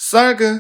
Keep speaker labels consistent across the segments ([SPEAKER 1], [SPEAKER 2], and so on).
[SPEAKER 1] 쌀그.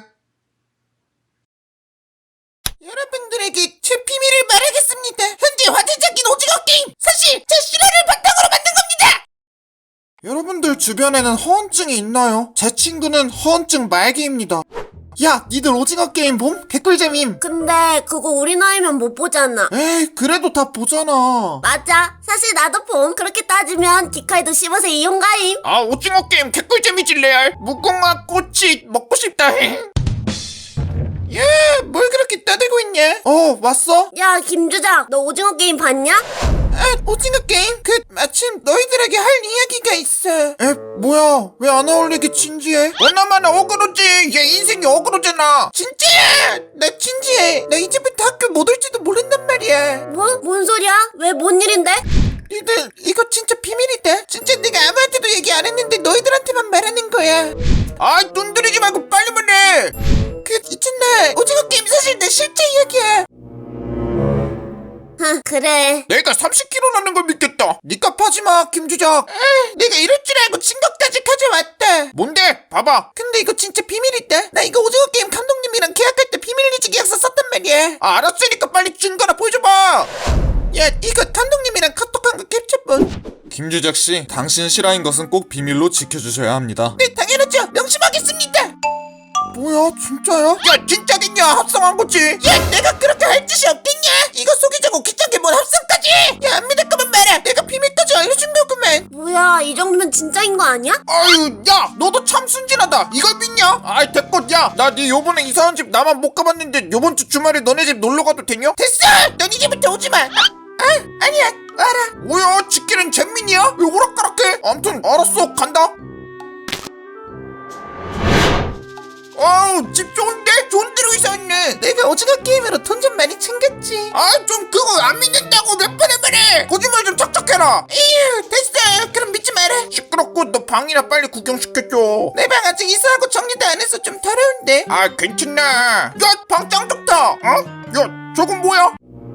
[SPEAKER 2] 여러분들에게 제 비밀을 말하겠습니다. 현재 화제적인 오징어 게임, 사실 제 실화를 바탕으로 만든 겁니다.
[SPEAKER 1] 여러분들 주변에는 허언증이 있나요? 제 친구는 허언증 말기입니다. 야, 니들 오징어 게임 봄? 개꿀잼임.
[SPEAKER 3] 근데 그거 우리 나이면 못 보잖아.
[SPEAKER 1] 에이, 그래도 다 보잖아.
[SPEAKER 3] 맞아. 사실 나도 봄. 그렇게 따지면 디카이도 15세 이용가임.
[SPEAKER 2] 아, 오징어 게임 개꿀잼이지 레알. 무궁화 꽃이 먹고 싶다. 야, 뭘 그렇게 떠들고 있냐?
[SPEAKER 1] 왔어?
[SPEAKER 3] 야, 김주장, 너 오징어 게임 봤냐?
[SPEAKER 2] 아, 오징어 게임? 마침 너희들에게 할 이야기가 있어.
[SPEAKER 1] 에, 뭐야? 왜 안 어울리게 진지해?
[SPEAKER 2] 너나마나 어그로지. 얘 인생이 어그로잖아. 진짜야. 나 진지해. 나 이제부터 학교 못 올지도 모른단 말이야.
[SPEAKER 3] 뭐? 뭔 소리야? 왜 뭔 일인데?
[SPEAKER 2] 니들 이거 진짜 비밀이다. 진짜 내가 아무한테도 얘기 안 했는데 너희들한테만 말하는 거야. 아, 눈 들이지 말고 빨리 말해. 있잖아, 오징어 게임 사실 내 실제 이야기야.
[SPEAKER 3] 그래.
[SPEAKER 2] 내가 30kg라는 걸 믿겠다. 니값 하지마, 김주작. 내가 이럴 줄 알고 증거까지 가져왔다. 뭔데? 봐봐. 근데 이거 진짜 비밀이다. 나 이거 오징어 게임 감독님이랑 계약할 때 비밀유지 계약서 썼단 말이야. 아, 알았으니까 빨리 증거나 보여줘봐. 야, 이거 감독님이랑 카톡한 거 캡처본.
[SPEAKER 1] 김주작씨, 당신 실화인 것은 꼭 비밀로 지켜주셔야 합니다.
[SPEAKER 2] 네, 당연하죠. 명심하겠습니다.
[SPEAKER 1] 뭐야, 진짜야?
[SPEAKER 2] 야, 진짜겠냐? 합성한 거지. 야, 내가 그렇게 할 짓이 없겠냐? 이거 속이자고 귀찮게 뭔 합성까지? 야, 안 믿을 거면 말해. 내가 비밀까지 알려준 거구만.
[SPEAKER 3] 뭐야, 이 정도면 진짜인 거 아니야?
[SPEAKER 2] 아유, 야, 너도 참 순진하다. 이걸 믿냐? 아이, 됐고, 야, 나 네 요번에 이사한 집 나만 못 가봤는데 요번 주 주말에 너네 집 놀러 가도 되냐? 됐어! 넌 이제부터 오지 마. 아니야, 알아. 뭐야, 지키는 잼민이야? 왜 오락가락해? 암튼 알았어, 간다. 어우, 집 좋은데? 좋은 데로 이사 왔네. 내가 오징어 게임으로 돈 좀 많이 챙겼지. 아, 좀 그거 안 믿는다고 몇 번을 말해. 거짓말 좀 척척해라. 에휴, 됐어. 그럼 믿지 마라. 시끄럽고 너 방이나 빨리 구경시켜줘. 내 방 아직 이사하고 정리도 안 해서 좀 더러운데. 아, 괜찮네. 야, 방 짱 좋다. 어? 야, 저건 뭐야?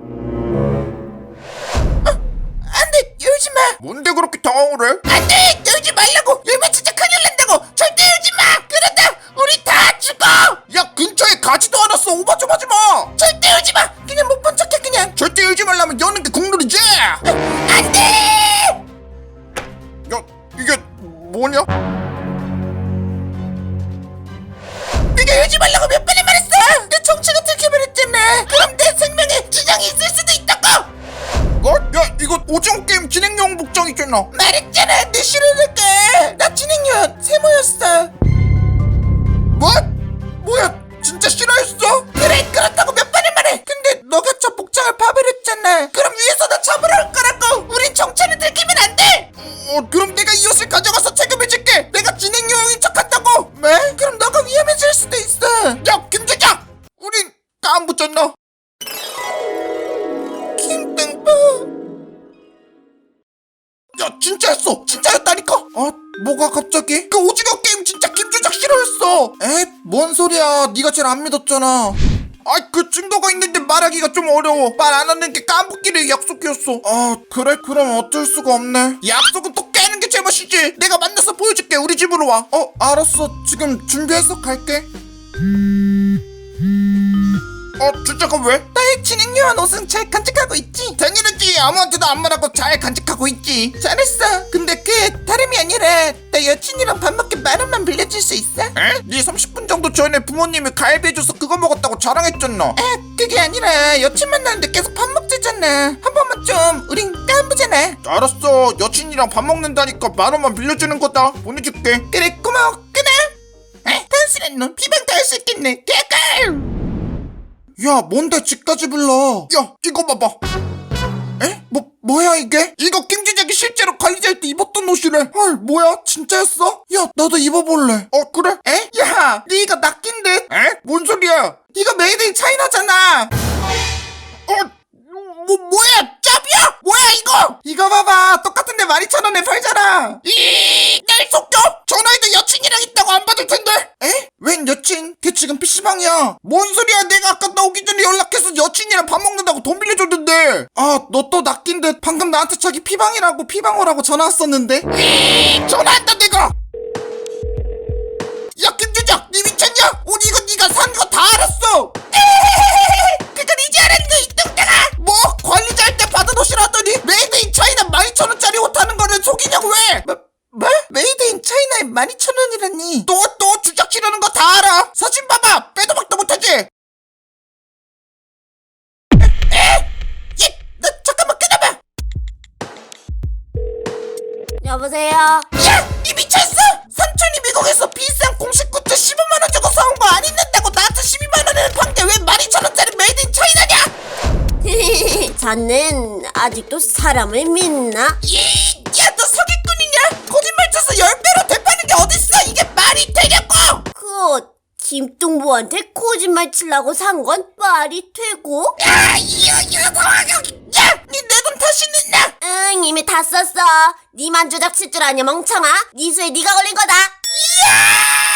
[SPEAKER 2] 안돼, 열지 마. 뭔데 그렇게 당황을 해? 안돼, 열지 말라고. 열면 진짜 큰일 난다고. 절대 열지 마. 그러다 우리 다 죽어. 야, 근처에 가지도 않았어. 오바 좀 하지 마. 절대 열지 마. 그냥 못 본 척해 그냥. 절대 열지 말라면 여는 게 국룰이지. 안돼. 야, 이게 뭐냐? 내가 열지 말라고 몇 번을 말했어. 내 정체가 들켜버렸잖아. 그럼 내 생명에 지장이 있을 수도 있다고. 뭐? 야, 이거 오징어 게임 진행용 복장이잖아. 말했잖아, 내 실화니까. 나 진행용 세모였어. 뭐? 뭐야, 진짜 실화였어? 그래, 그렇다고 몇 번을 말해. 근데 너가 저 복장을 봐버렸잖아. 그럼 위에서 나 잡으러 올 거라고. 우린 정체를 들키면 안 돼. 그럼 내가 이 옷을 가져가서 책임을 질게. 내가 진행용인 척한다고. 왜? 그럼 너가 위험해질 수도 있어. 야, 김주장, 우린 안 붙였나? 야, 진짜였어. 진짜였다니까. 뭐가 갑자기? 그 오징어 게임 진짜 김주작 싫어했어. 에? 뭔 소리야. 네가 제일 안 믿었잖아. 그 증거가 있는데 말하기가 좀 어려워. 말 안 하는 게 까먹기를 약속이었어. 그래? 그럼 어쩔 수가 없네. 약속은 또 깨는 게 제맛이지. 내가 만나서 보여줄게. 우리 집으로 와. 알았어. 지금 준비해서 갈게. 주작은 왜? 나의 진행요한 옷은 잘 간직하고 있지. 당연하지. 아무한테도 안 말하고 잘 간직하고 있지. 잘했어. 근데 그게 다름이 아니라 나 여친이랑 밥 먹게 10,000원만 빌려줄 수 있어? 에? 네 30분 정도 전에 부모님이 갈비 해줘서 그거 먹었다고 자랑했잖아. 그게 아니라 여친 만나는데 계속 밥 먹자잖아. 한 번만 좀 우린 까부잖아. 알았어. 여친이랑 밥 먹는다니까 10,000원만 빌려주는 거다. 보내줄게. 그래, 고마워. 끊어. 단순한 놈. 비방 다 할 수 있겠네. 개깔. 야, 뭔데 집까지 불러. 야, 이거 봐봐. 에? 뭐야 이게? 이거 김주작이 실제로 관리자일 때 입었던 옷이래. 헐, 뭐야? 진짜였어? 야, 나도 입어볼래. 그래? 에? 야, 네 이거 낚인 듯? 에? 뭔 소리야? 이거 메이드 인 차이나잖아. 뭐야? 짭이야? 뭐야 이거? 이거 봐봐. 똑같은데 12,000원에 팔잖아. 날 속여? 전화해도 여친이랑 있다고 안 받을 텐데. 에? 웬 여친? 걔 지금 PC방이야. 뭔 소리야? 내가 아까 나오기 전에 연락해서 여친이랑 밥 먹는다고 돈 빌려줬는데. 너 또 낚인 듯. 방금 나한테 자기 피방이라고 피방 오라고 전화 왔었는데. 전화한다 내가. 야, 김주작, 니 미쳤냐? 알았니? 또 주작치려는 거 다 알아. 사진 봐봐. 빼도 박도 못하지. 에? 나 잠깐만 끊어봐.
[SPEAKER 3] 여보세요?
[SPEAKER 2] 야! 니 미쳤어? 삼촌이 미국에서 비싼 공식 굿즈 15만원 주고 사온 거 안 입는다고 나한테 12만원을 판게 왜 12,000원짜리 메이드 인 차이나냐?
[SPEAKER 3] 자넨 아직도 사람을 믿나?
[SPEAKER 2] 야, 너 사기꾼이냐? 거짓말 쳐서 10배로 되파는 게 어딨어? 이게 말이 되냐고!
[SPEAKER 3] 그 옷 김뚱보한테 거짓말 치려고 산 건 말이 되고?
[SPEAKER 2] 야, 니 내 돈 다시 냈나?
[SPEAKER 3] 응, 이미 다 썼어. 니만 조작 칠 줄 아냐 멍청아? 니 수에 니가 걸린 거다.
[SPEAKER 2] 야!